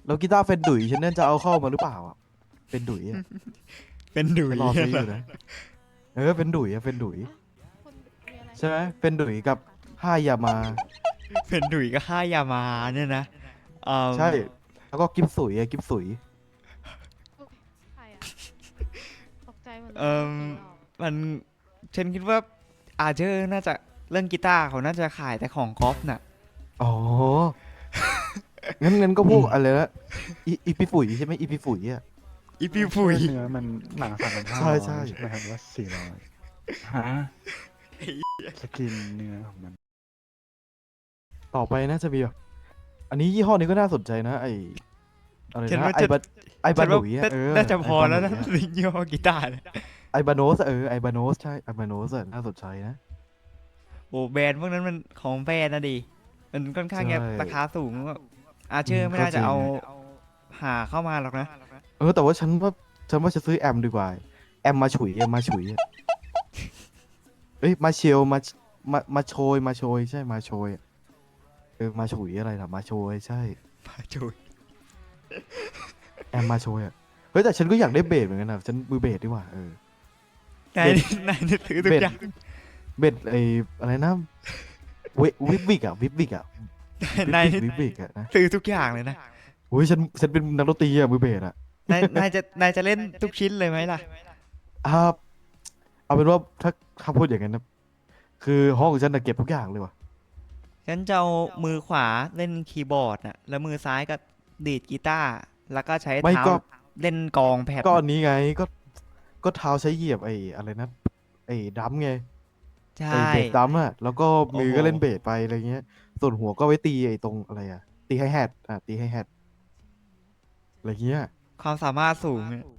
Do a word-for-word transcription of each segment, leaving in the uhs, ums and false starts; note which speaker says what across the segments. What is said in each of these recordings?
Speaker 1: แล้วกีตาร์เฟนดุยฉันนั่นจะเอาเข้ามาหรือเปล่าอ่ะเฟนดุยอ่ะ
Speaker 2: เป็นดุย
Speaker 1: ฉันรอซื้ออ
Speaker 2: เหรอ
Speaker 1: ยู่นะเออเฟนดุยอ่ะเฟนดุย
Speaker 3: อ่ะคุณมีอะไร
Speaker 1: ใช่ไหม
Speaker 3: ให้
Speaker 1: เฟนดุยกับ
Speaker 3: ค่ะ
Speaker 1: ห้ายามา
Speaker 2: เป็นดุยก็ค่ายามาเนี่ยนะเอ่อ
Speaker 1: ใช่แล้วก็กิฟสุยอ่ะกิฟสุย
Speaker 3: อุ๊ยใครอ่ะตกใจหมดเลย
Speaker 2: เอ่
Speaker 3: นึก
Speaker 2: อ
Speaker 3: ว่าผีหลอก
Speaker 2: มันฉันคิดว่าอาเจอร์น่าจะเรื่องกีตาร์เขาน่าจะขายแต่ของกอล์ฟน่ะ
Speaker 1: อ๋องั้นงั้นก็พวกอะไรนะอีอีปีฝุ่ยใช่ไหมอีปีฝุ่ยอ่ะ
Speaker 2: อี
Speaker 4: ไม่คิด
Speaker 2: พีฟุย
Speaker 4: ว่าเนื้อมันหนังสัตว์มันห้า
Speaker 1: ใช่
Speaker 4: ร้อ
Speaker 1: ใช่
Speaker 4: ยใช่ไหมครับหรือว่าสี่ร้อยฮะสกินเนื้อของมัน
Speaker 1: ต่อไปน่าจะมีแบบอันนี้ยี่ห้อนี้ก็น่าสนใจนะไออะไร
Speaker 2: ฉันว่าจะ
Speaker 1: นะไอบาไอบา
Speaker 2: ฉันว่า
Speaker 1: หนุยอ่ะเออ
Speaker 2: น่าจะพ
Speaker 1: ไอบาหนุ
Speaker 2: อแล้วนะ
Speaker 1: ยอ่ะ
Speaker 2: ลิงยี่ห้อกีตาร์เนี่ย
Speaker 1: ไอบาโนสเออไอบาโนสใช่ไอบาโนสน่าสนใจนะ
Speaker 2: โอ้แบรนด์พวกนั้นมันของแบรนด์นะดิมันค่อนข้าง
Speaker 1: ใช่
Speaker 2: จะราคาสูงอาเจ
Speaker 1: อื
Speaker 2: อร์ไม่
Speaker 1: มก็จริง
Speaker 2: น่าจะเอาหาเข้ามาหรอกนะ
Speaker 1: เออแต่ว่าฉันว่าฉันว่าจะซื้อแอมดีกว่าแอมมาฉุยแอมมาฉุยอะเอ้ยมาเชลมามามาโชยมาโชยใช่มาโชยอะเออมาฉุยอะไรล่ะมาโชยใช่
Speaker 2: พาจุย
Speaker 1: แอมมาโชยอ่ะเฮ้ยแต่ฉันก็อยากได้เบสเหมือนกันนะฉันมือเบสดีกว่าเออน
Speaker 2: าย
Speaker 1: เบส
Speaker 2: นี่นายนี่ถือทุ
Speaker 1: เบ
Speaker 2: ก
Speaker 1: ส
Speaker 2: อย่าง
Speaker 1: เบสไออะไรนะเววิบวิกอะวิบวิกอะวิบ
Speaker 2: นาย
Speaker 1: วิก
Speaker 2: นี่
Speaker 1: วิบวิกอะนะ
Speaker 2: ถือทุกอย่างเลยนะ
Speaker 1: โอ้ยฉันฉันเป็นนักดนตรีอะมือเบสอะ
Speaker 2: นายนายจะนายจะเล่นทุกชิ้นเลยไหมล่ะ
Speaker 1: อ่าเอาเป็นว่าถ้าถ้าพูดอย่างนั้นนะคือห้องฉันน่ะเก็บทุกอย่างเลยว่ะ
Speaker 2: ฉันจะเอามือขวาเล่นคีย์บอร์ดน่ะแล้วมือซ้ายก็ดีดกีตาร์แล้วก็ใช้
Speaker 1: ไม่
Speaker 2: เท้า
Speaker 1: ก็
Speaker 2: เล่นกลองแผ่น
Speaker 1: ก็อั
Speaker 2: น่ะ
Speaker 1: นนี้ไงก็ก็เท้าใช้เหยียบไอ้อะไรนะไอ้ดัมไง
Speaker 2: ใช่
Speaker 1: ไอ้เบสดัมอะแล้วก็มือ
Speaker 2: โอ้โห
Speaker 1: ก็เล่นเบสไปอะไรเงี้ยส่วนหัวก็ไว้ตีไอ้ตรงอะไรอะตีไฮแฮทอ่ะตีไฮแฮทอะไรเงี้ย
Speaker 2: ความสามารถสูงเนี่ย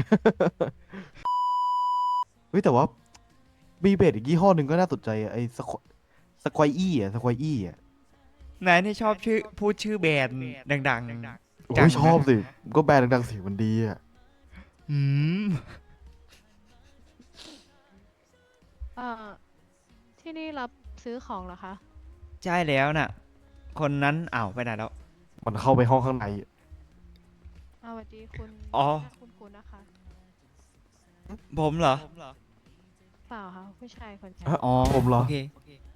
Speaker 1: เฮ้ยแต่ว่ามีเบสอีกยี่ห้อหนึ่งก็น่าสนใจอะไอ้สควสควอี้อะสควอี้อะ
Speaker 2: นายนี่ชอบชื่อพูดชื่อแบรนด์ดัง
Speaker 1: โอ้
Speaker 2: ๆจังนะ
Speaker 1: ยชอบสิก็แบรนด์ดังๆเสียงมันดีอะ
Speaker 2: อืม
Speaker 3: เอ่อที่นี่รับซื้อของเหรอคะ
Speaker 2: ใช่แล้วน่ะคนนั้นอ้าวไปไหนแล้ว
Speaker 1: มันเข้าไปห้องข้างใน
Speaker 3: อ่าสวัสดีคุณ
Speaker 2: อ๋อ
Speaker 3: หน้าคุณคุณนะคะ
Speaker 2: ผมเหรอ
Speaker 3: เปล่าค่ะผู้ชายคนใช้
Speaker 1: อะ
Speaker 2: อ๋อ
Speaker 1: ผมเหรอ
Speaker 2: โอเค